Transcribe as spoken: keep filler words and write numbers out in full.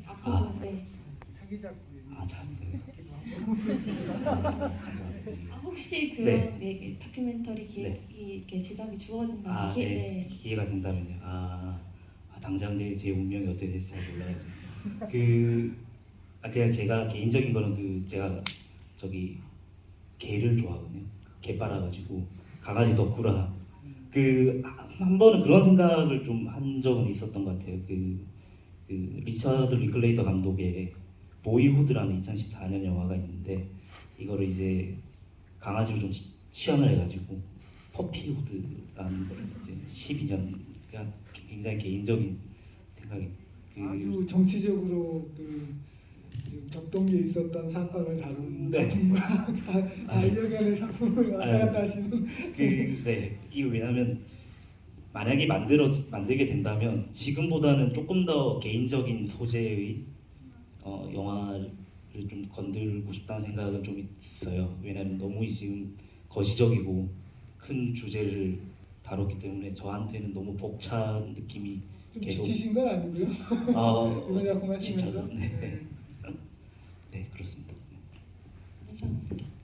앞으로 아. 네. 아, 참. 아, 혹시 그런 네. 네. 네, 다큐멘터리 기획이 이렇게 제작이 주어진다면 아, 기, 네. 네. 기회가 된다면요. 아, 아 당장 내일 제 운명이 어떻게 될지 잘 몰라야죠. 그, 아, 그냥 제가 개인적인 거는 그 제가 저기 개를 좋아하거든요. 개 빨아가지고 강아지 덕후라 그 한 번은 그런 생각을 좀 한 적은 있었던 것 같아요. 그, 그 리처드 링클레이터 감독의 보이후드라는 이천십사 년 영화가 있는데 이거를 이제 강아지로 좀 치- 치환을 해가지고 퍼피후드라는 걸 이제 십이 년 그냥 굉장히 개인적인 생각이 그 아주 정치적으로 그 격동기에 있었던 사건을 다룬 네. 작품과 반려견의 작품을 왔다 갔다 하시는. 그, 네, 이거 왜냐면 만약에 만들어 만들게 된다면 지금보다는 조금 더 개인적인 소재의 어, 영화를 좀 건들고 싶다는 생각은 좀 있어요. 왜냐면 너무 지금 거시적이고 큰 주제를 다뤘기 때문에 저한테는 너무 벅찬 느낌이 좀 계속 지치신 건 아니고요. 어, 이런 작품 하시면서. 지쳐서 네. 네, 그렇습니다. 감사합니다.